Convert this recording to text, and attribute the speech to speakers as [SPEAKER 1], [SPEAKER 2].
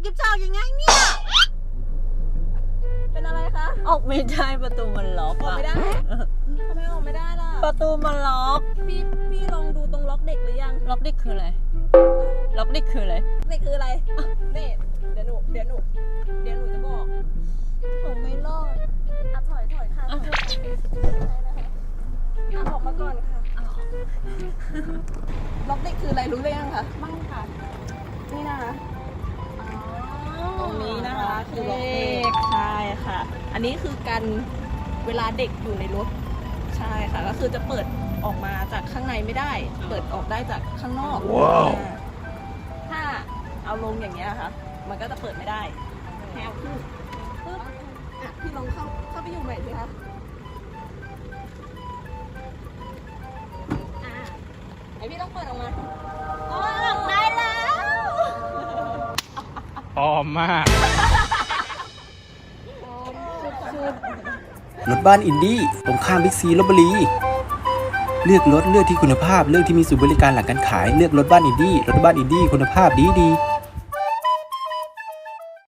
[SPEAKER 1] จิ๊บจะออกยังไงเนี่ย
[SPEAKER 2] เป็นอะไรคะ
[SPEAKER 1] ออกไม่ได้ประตูมันล็อก
[SPEAKER 2] ออก
[SPEAKER 1] อะ
[SPEAKER 2] ไม่ได้ทำไมออกไม่ได้ล่ะ
[SPEAKER 1] ประตูมันล็อก
[SPEAKER 2] พี่ลองดูตรงล็อกเด็กหรือยัง
[SPEAKER 1] ล็อกนี่คืออะไรล็อกนี่คืออะไร
[SPEAKER 2] เด็กคืออะไรนี่เดี๋ยวหนูจะบอก
[SPEAKER 1] ผมไม่รอด
[SPEAKER 2] อ่ะถอยค่ะ
[SPEAKER 1] อ่ะ
[SPEAKER 2] อ่ะออกมาก่อนค่ะล็อกเด็กคืออะไรรู้หรือยังคะไม่ค่ะนี่นะคะตรงนี้นะคะคือล็อกเด็กใช่ค่ะ อันนี้คือกันเวลาเด็กอยู่ในรถใช่ค่ะก็คือจะเปิดออกมาจากข้างในไม่ได้ เปิดออกได้จากข้างนอก
[SPEAKER 3] ว้าว
[SPEAKER 2] ถ้าเอาลงอย่างเงี้ยค่ะ มันก็จะเปิดไม่ได้แค่เอาขึ้นปึ๊บอ่ะพี่ลองเข้าไปอยู่ใหม่สิคะอ่ะไอพี่ต้องเปิดออกมาโอ้ออกได้แล้ว
[SPEAKER 3] ปลอมมาก
[SPEAKER 4] รถบ้านอินดี้ตรงข้ามบิ๊กซีลพบุรีเลือกรถเลือกที่คุณภาพเลือกที่มีศูนย์บริการหลังการขายเลือกรถบ้านอินดี้รถบ้านอินดี้คุณภาพดี